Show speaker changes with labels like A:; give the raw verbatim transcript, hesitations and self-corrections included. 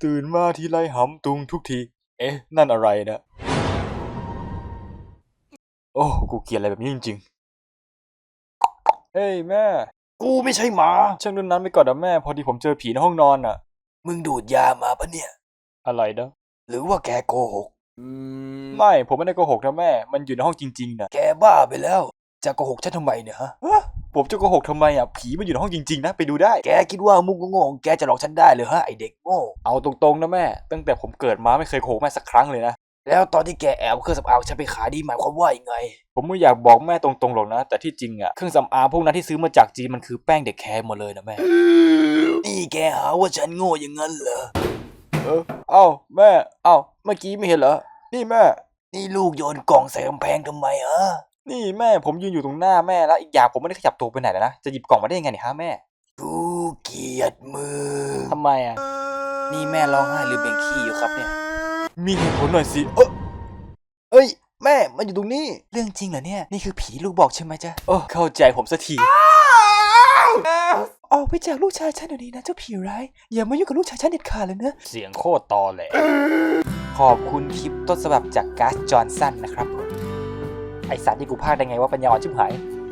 A: ตื่นมาทีไรหำตุงทุกทีเอ๊ะนั่นอะไรนะโอ้กูเกลียดอะไรแบบนี้จริงๆเฮ้ยแม่กูไม่ใช่หมาช่างเรื่องนั้นไปก่อนนะแม่พอดีผมเจอผีในห้องนอนอ่ะมึงดูดยามาปะเนี่ยอะไรนะหรือว่าแกโกหกอืมไม่ผมไม่ได้โกหกนะแม่มันอยู่ในห้องจริงๆนะแกบ้าไปแล้วจะโกหกฉันทำไมเนี่ยฮะผมจะโกหกทำไมอ่ะผีมันอยู่ในห้องจริงๆนะไปดูได้แกคิดว่ามุกโง่ๆแกจะหลอกฉันได้หรือฮะไอเด็กโง่เอาตรงๆนะแม่ตั้งแต่ผมเกิดมาไม่เคยโกหกแม่สักครั้งเลยนะแล้วตอนที่แกแอบเครื่องสำอางฉันไปขายดีหมายความว่ายังไงผมไม่อยากบอกแม่ตรงๆหรอกนะแต่ที่จริงอ่ะเครื่องสำอางพวกนั้นที่ซื้อมาจากจีนมันคือแป้งเด็กแคร์หมดเลยนะแม่นี่แกหาว่าฉันโง่อย่างนั้นเหรอเออเอ้าแม่เอ้าเมื่อกี้ไม่เห็นเหรอนี่แม่นี่ลูกโยนกล่องใส่กำแพงทำไมฮะนี่แม่ผมยืนอยู่ตรงหน้าแม่แล้วอีกอย่างผมไม่ได้ขยับตัวไปไหนเลยนะจะหยิบกล่องมาได้ยังไงเนี่ยฮะแม่กูเกลียดมือทำไมอ่ะนี่แม่ร้องไห้หรือเบ่งขี้อยู่ครับเนี่ยมีเหตุผลหน่อยสิเออเอ้ยแม่มันอยู่ตรงนี้เรื่องจริงเหรอเนี่ยนี่คือผีลูกบอกใช่ไหมจ๊ะโอ้เข้าใจผมสักทีออกไปจากลูกชายฉันเดี๋ยวนี้นะเจ้าผีร้ายอย่ามายุ่งกับลูกชายฉันเด็ดขาดเลยนะเสียงโคตรตอแหลขอบคุณคลิปต้นฉบับจากก๊าซจอห์นสันนะครับผมไอสารที่กูพากได้ไงว่าปัญญาอ่อนชิบหาย